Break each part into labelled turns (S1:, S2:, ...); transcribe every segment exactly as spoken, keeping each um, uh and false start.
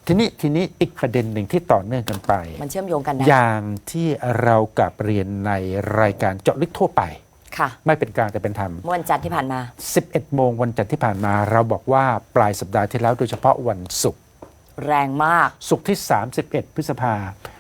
S1: ทีนี้ทีนี้อีกประเด็นหนึ่งที่ต่อเนื่องกันไป
S2: มันเชื่อมโยงกันนะ
S1: อย่างที่เรากับเรียนในรายการเจาะลึกทั่วไป
S2: ค่ะ
S1: ไม่เป็นกลางแต่เป็นธรรม
S2: เมื่อวันจันทร์ที่ผ่านมา
S1: สิบเอ็ดโมงวันจันทร์ที่ผ่านมา เราบอกว่าปลายสัปดาห์ที่แล้วโดยเฉพาะวันศุกร์
S2: แรงมาก
S1: ศุกร์ที่สามสิบเอ็ดพฤษภา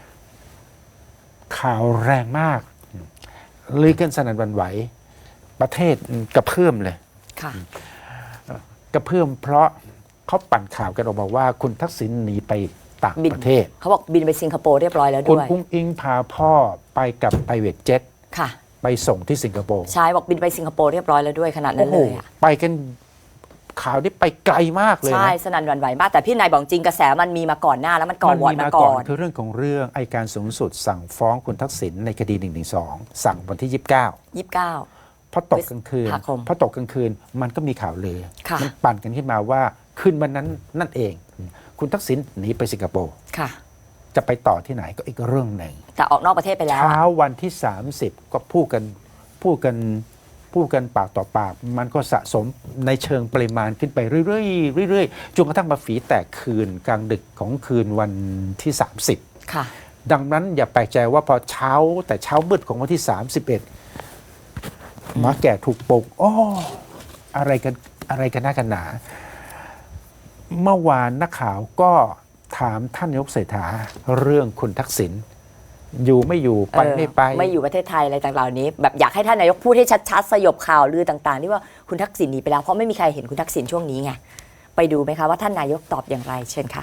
S1: ข่าวแรงมากลือกันสนั่นหวั่นไหวประเทศกระเพื่อมเลย
S2: ค่ะ
S1: กระเพื่อมเพราะเขาปั่นข่าวกันออกมาว่าคุณทักษิณหนีไปต่าง
S2: บิน
S1: ประเทศ
S2: เขาบอกบินไปสิงคโปร์เรียบร้อยแล้ว
S1: คุณ
S2: ด้วย
S1: อุ้งอิงพาพ่อไปกับไพรเวทเจ็ต
S2: ค่ะ
S1: ไปส่งที่สิงคโปร์
S2: ใช่บอกบินไปสิงคโปร์เรียบร้อยแล้วด้วยขนาดนั้นเลยอะ
S1: ไปกันข่าวนี้ไปไกลมากเลยนะ
S2: ใช่สนั่นหวั่นไหวมากแต่พี่นายบอกจริงกระแสมันมีมาก่อนหน้าแล้วมันก่อ
S1: มัน
S2: วอด
S1: มี
S2: มา
S1: มา
S2: ก่
S1: ก่
S2: อ
S1: อน
S2: น
S1: คือเรื่องของเรื่องอัยการสูงสุดสั่งฟ้องคุณทักษิณในคดีหนึ่งหนึ่งสองสั่งวันที่ยี่สิบเก้า
S2: ยี่สิบเก้า
S1: พอตกกลางคืน
S2: พฤษภาคม
S1: พอตกกลางคืนมันก็มีข่าวลือ
S2: ค่ะ
S1: มันปั่นกันขึ้นมาว่าคืนวันนั้นนั่นเอง คุณทักษิณหนีไปสิงคโปร์
S2: ค่ะ
S1: จะไปต่อที่ไหนก็อีกเรื่องหนึ่ง
S2: แต่ออกนอกประเทศไปแล้ว
S1: เช้า
S2: อะ
S1: วันที่ สามสิบ ก็พูดกันพูดกันพูดกันปากต่อปาก มันก็สะสมในเชิงปริมาณขึ้นไปเรื่อยๆเรื่อยๆจนกระทั่งมาฝีแตกคืนกลางดึกของคืนวันที่ สามสิบ
S2: ค่ะ
S1: ดังนั้นอย่าแปลกใจว่าพอเช้าแต่เช้ามืดของวันที่ สามสิบเอ็ดหมาแก่ถูกปลุกโอ้อะไรกันอะไรกันหน้ากันหนา เมื่อวานนักข่าวก็ถามท่านนายกเศรษฐาเรื่องคุณทักษิณอยู่ไม่อยู่ไป
S2: เออ
S1: ไม่ไป
S2: ไม่อยู่ประเทศไทยอะไรต่างๆเหล่านี้แบบอยากให้ท่านนายกพูดให้ชัดๆสยบข่าวลือต่างๆที่ว่าคุณทักษิณหนีไปแล้วเพราะไม่มีใครเห็นคุณทักษิณช่วงนี้ไงไปดูไหมคะว่าท่านนายกตอบอย่างไรเชิญค่ะ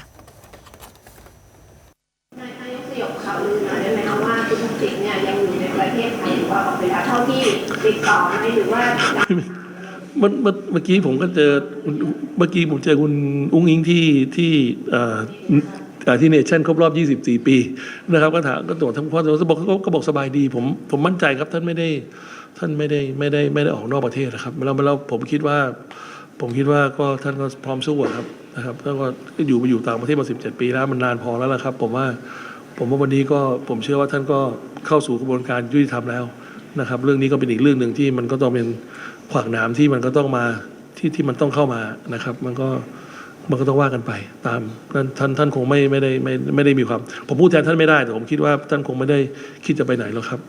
S3: นายกสยบข่าวลือหน่อยได้ไหมคะว่าคุณทักษิณเนี่ยยังอยู่ในประเทศไทยหรือว่าออกไปแล้วเท่าที่ติดต่อไหมหรือว่า
S4: เมื่อเมื่อเมื่อกี้ผมก็เจอเมื่อกี้ผมเจอคุณอุ้งอิงที่ที่เอ่อเอ่อที่เนชั่นครบรอบ ยี่สิบสี่ ปีนะครับก็ถามก็ตรวจทั้งพ่อเขาบอกเขาก็บอกสบายดีผมผมมั่นใจครับท่านไม่ได้ท่านไม่ได้ไม่ได้ไม่ได้ออกนอกประเทศนะครับแล้วแล้วผมคิดว่าผมคิดว่าก็ท่านก็พร้อมสู้อะครับนะครับท่านก็อยู่มาอยู่ต่างประเทศมาสิบเจ็ดปีแล้วมันนานพอแล้วล่ะครับผมว่าผมว่าวันนี้ก็ผมเชื่อว่าท่านก็เข้าสู่กระบวนการยุติธรรมแล้วนะครับเรื่องนี้ก็เป็นอีกเรื่องหนึ่งที่มันก็ต้องเป็นขวากหนามที่มันก็ต้องมาที่ที่มันต้องเข้ามานะครับมันก็มันก็ต้องว่ากันไปตามนั้นท่านท่านคงไม่ไม่ได้ไม่ไม่ได้มีความผมพูดแทนท่านไม่ได้แต่ผมคิดว่าท่านคงไม่ได้คิดจะไปไหนหรอกครับ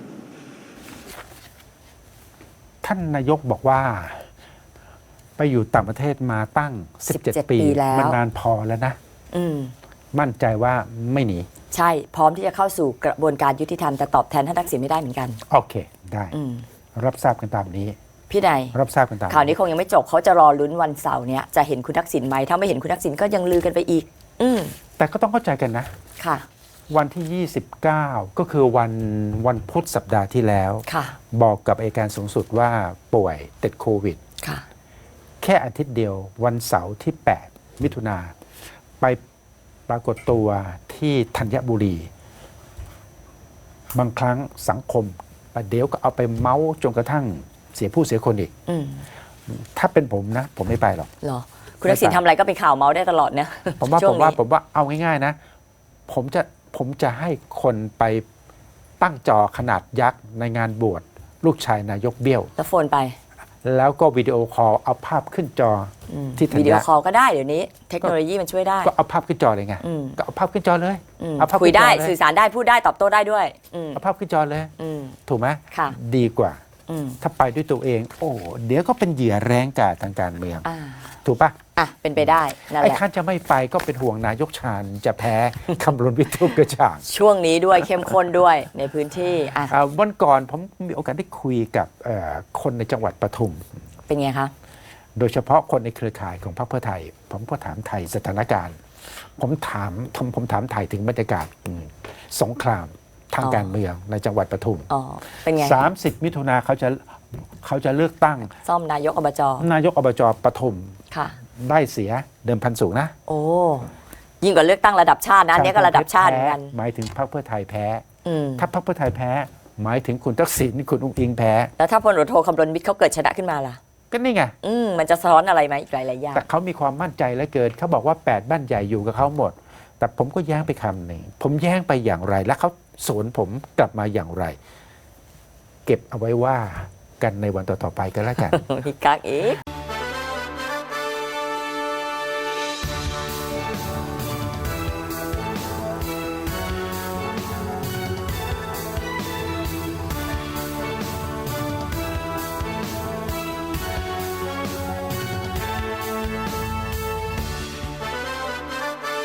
S1: ท่านนายกบอกว่า ไปอยู่ต่างประเทศมาตั้ง สิบเจ็ด
S2: สิบเจ็ด
S1: ปี
S2: ปีแล้ว
S1: มันนานพอแล้วนะ
S2: อืม
S1: มั่นใจว่าไม่หนี
S2: ใช่พร้อมที่จะเข้าสู่กระบวนการยุติธรรมแต่ตอบแทนท่านทักษิณไม่ได้เหมือนกัน
S1: โอเค ได้
S2: อืม
S1: รับทราบกันตามนี้
S2: พี่นาย
S1: รับทราบกันตาม
S2: ข่าวนี้คงยังไม่จบเขาจะรอลุ้นวันเสาร์เนี้ยจะเห็นคุณทักษิณไหมถ้าไม่เห็นคุณทักษิณก็ยังลือกันไปอีก อืม
S1: แต่ก็ต้องเข้าใจกันนะ
S2: ค่ะ
S1: วันที่ ยี่สิบเก้า ก็คือวันวันพุธสัปดาห์ที่แล้ว
S2: ค่ะ
S1: บอกกับอัยการสูงสุดว่าป่วยติดโควิด
S2: ค่ะ
S1: แค่อาทิตย์เดียววันเสาร์ที่ แปด มิถุนาไปปรากฏตัวที่ธัญบุรี บางครั้งสังคมประเดี๋ยวก็เอาไปเมาส์จนกระทั่งเสียผู้เสียคนอีก
S2: อืม
S1: ถ้าเป็นผมนะ ผมไม่ไปหรอก
S2: เหรอคุณทักษิณทำอะไรก็เป็นข่าวเมาส์ได้ตลอดเนี่ย
S1: ผมว่า
S2: ช่
S1: ผ
S2: ง
S1: มว่า
S2: นี้
S1: ผมว่าเอาง่ายๆนะ ผมจะผมจะให้คนไปตั้งจอขนาดยักษ์ในงานบวชลูกชายนายกเบี้ยว
S2: แล้วโฟนไป
S1: แล้วก็วิดีโอคอลเอาภาพขึ้นจอ
S2: อืม
S1: ที่ธัญ
S2: วิดีโอคอลก็ได้เดี๋ยวนี้ เทคโนโลยีมันช่วยได้
S1: ก็เอาภาพขึ้นจอเลยไง
S2: อืม
S1: ก็เอาภาพขึ้นจอเลย
S2: อืม
S1: เอาภาพ
S2: คุย
S1: ขึ้นจ
S2: ได้
S1: อเลย
S2: สื่อสารได้พูดได้ตอบโต้ได้ด้วย อืม
S1: เอาภาพขึ้นจอเลย
S2: อืม
S1: ถูกไหม
S2: ค่ะ
S1: ดีกว่า
S2: อืม
S1: ถ้าไปด้วยตัวเอง โอ้เดี๋ยวก็เป็นเหยื่อแรงกาจทางการเมือง
S2: อ่า
S1: ถูกปะ
S2: อ่ะเป็นไปได้นั่น
S1: ไอ้
S2: แหละ
S1: ข้าจะไม่ไปก็เป็นห่วงนายกชาญจะแพ้ คำรณวิทูปกระจ่าง
S2: ช่วงนี้ด้วยเข้มข้นด้วยในพื้นที่อ่ะ
S1: อ่าวันก่อนผมมีโอกาสได้คุยกับเอ่อคนในจังหวัดปทุม
S2: เป็นไงคะ
S1: โดยเฉพาะคนในเครือข่ายของพรรคเพื่อไทย ผมก็ถามไทยสถานการณ์ ผมถามผมผมถามไทยถึงบรรยากาศอืมสงครามทางการเมืองในจังหวัดปทุม
S2: อ๋อเป็นไง
S1: สามสิบ มิถุนาเขาจะเขาจะเลือกตั้ง
S2: ซ่อมนายกอบจ
S1: นายกอบจปทุม
S2: ค่ะ
S1: ได้เสียเดิมพันสูงนะ
S2: โอ้ยิ่งกว่าเลือกตั้งระดับชาตินะอันนี้ก็ระดับชาติเหมือนกัน
S1: แพ้หมายถึงพรรคเพื่อไทยแพ้
S2: อืม
S1: ถ้าพรรคเพื่อไทยแพ้ หมายถึงคุณทักษิณคุณอุ้งอิงแพ้
S2: แล้วถ้าพลตำรวจโทคำรณวิทย์เขาเกิดชนะขึ้นมาล่ะ
S1: ก็นี่ไง
S2: อืมมันจะสะท้อนอะไรไหมอีกหลายๆอย่าง
S1: แต่เขามีความมั่นใจเหลือเกินเขาบอกว่าแปดบ้านใหญ่อยู่กับเขาหมด แต่ผมก็แย้งไปคำหนึ่งผมแย้งไปอย่างไร และเขาสวนผมกลับมาอย่างไร เก็บเอาไว้ว่ากันในวันต่อๆไปกันแล้วกัน
S2: มีกักอีก